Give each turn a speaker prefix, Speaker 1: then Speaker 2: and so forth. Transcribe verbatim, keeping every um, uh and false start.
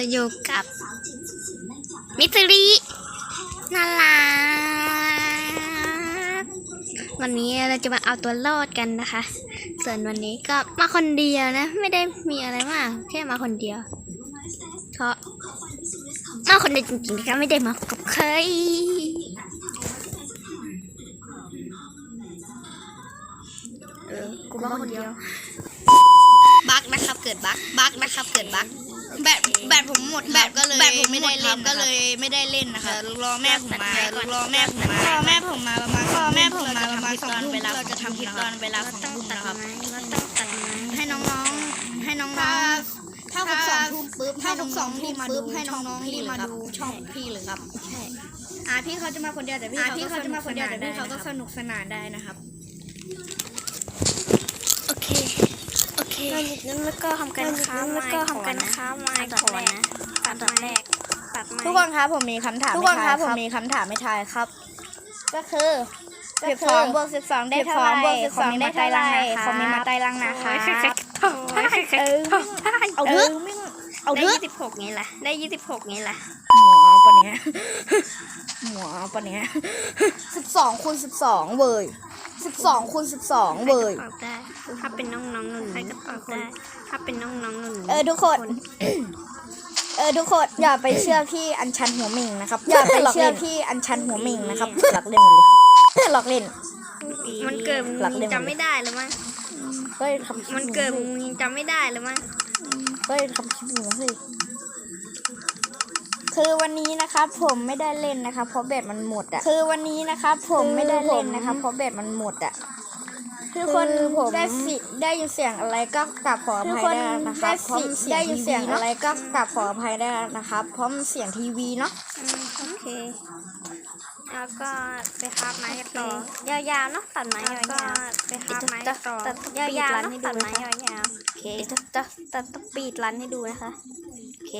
Speaker 1: อยู่กับมิสริน่ารักวันนี้เราจะมาเอาตัวรอดกันนะคะส่วนวันนี้ก็มาคนเดียวนะไม่ได้มีอะไรมากแค่มาคนเดียวเพราะมาคนเดียวจริงๆนะคะไม่ได้มากับใครเออกูมาคนเดียวบั๊กนะครับเกิดบั๊กบั๊กนะครับเกิดบั๊กแบตแบตผมหมดแบตก็เลยแบตผมไม่ได้เล่นก็เลยไม่ได้เล่นนะคะรอแม่ผมมารอแม่ผมมาพ่อแม่ผมมาประมาณพ่อแม่ผมมาประมาณสองทุ่มเราจะทำคลิปตอนเวลาของทุ่มนะครับให้น้องๆให้น้องๆถ้าทุกสองทุ่มปุ๊บถ้าทุกสองทุ่มปุ๊บให้น้องๆรีบมาดูช่องพี่เลยครับใช่อ่าพี่เขาจะมาคนเดียวแต่พี่เขาจะมาคนเดียวแต่พี่เขาก็สนุกสนานได้นะครับโอเคโอเคแล้วก็ทำการค้าแล้วก็ทำการค้าไม้ก่อนนะตัดตอนแรกตัดไม้
Speaker 2: ทุกคนครับผมมีคำถามทุกคนครับผมมีคำถามไม่ทายครับก็คือสิบสองบวกสิบสองได้เท่าไหร่บวกสิบสองได้เท่าไหร่คอมเมนต์มาใต้ล่างนะคะเออเอาเถอะเอาเถอะ
Speaker 1: ได้ยี่สิบหกไงล่ะได้ยี่สิบหกไงล่ะ
Speaker 2: หมัวปะเนี้ยหมัวปะเนี้ยสิบสองคูณสิบสองเว้ยสิบสองคูณสิบสองเว้ย
Speaker 1: ถ้าเป็นน้องๆหนุ่นใครก็ตอบได้ถ้าเป็นน้องๆหนุ่น
Speaker 2: เออทุกคนเออทุกคนอย่าไปเชื่อพี่อัญชันหัวหมิงนะครับอย่าไปเชื่อพี่อัญชันหัวหมิงนะครับหลักเล่นหมดเลยหลักเล่น
Speaker 1: มันเกิดมึงจำไม่ได้หรือมั้ง
Speaker 2: เฮ้ยทำ
Speaker 1: มันเกิดมึงจำไม่ได้หรือมั้ง
Speaker 2: เฮ้ยทำคลิปหนูสิคือวันนี้นะครับผมไม่ได้เล่นนะครับเพราะแบตมันหมดอ่ะคือวันนี้นะครับผมไม่ได้เล่นนะครับเพราะแบตมันหมดอ่ะทุกคนผมได้สิได้ยินเสียงอะไรก็กลับขออภัยได้นะครับเพราะได้ยินเสียงอะไรก็กลับขออภัยได้นะครับเพราะมันเสียงทีวีเนาะ
Speaker 1: โอเคแล้วก็ไปคาบไม้ต่อยาวๆเนาะตัดไม้ยาวๆไปคาบไม้ต่อยาวๆเนาะตัดไม้ยาวๆโอเคจะจะจะต้องปีดรันให้ดูนะคะโอเค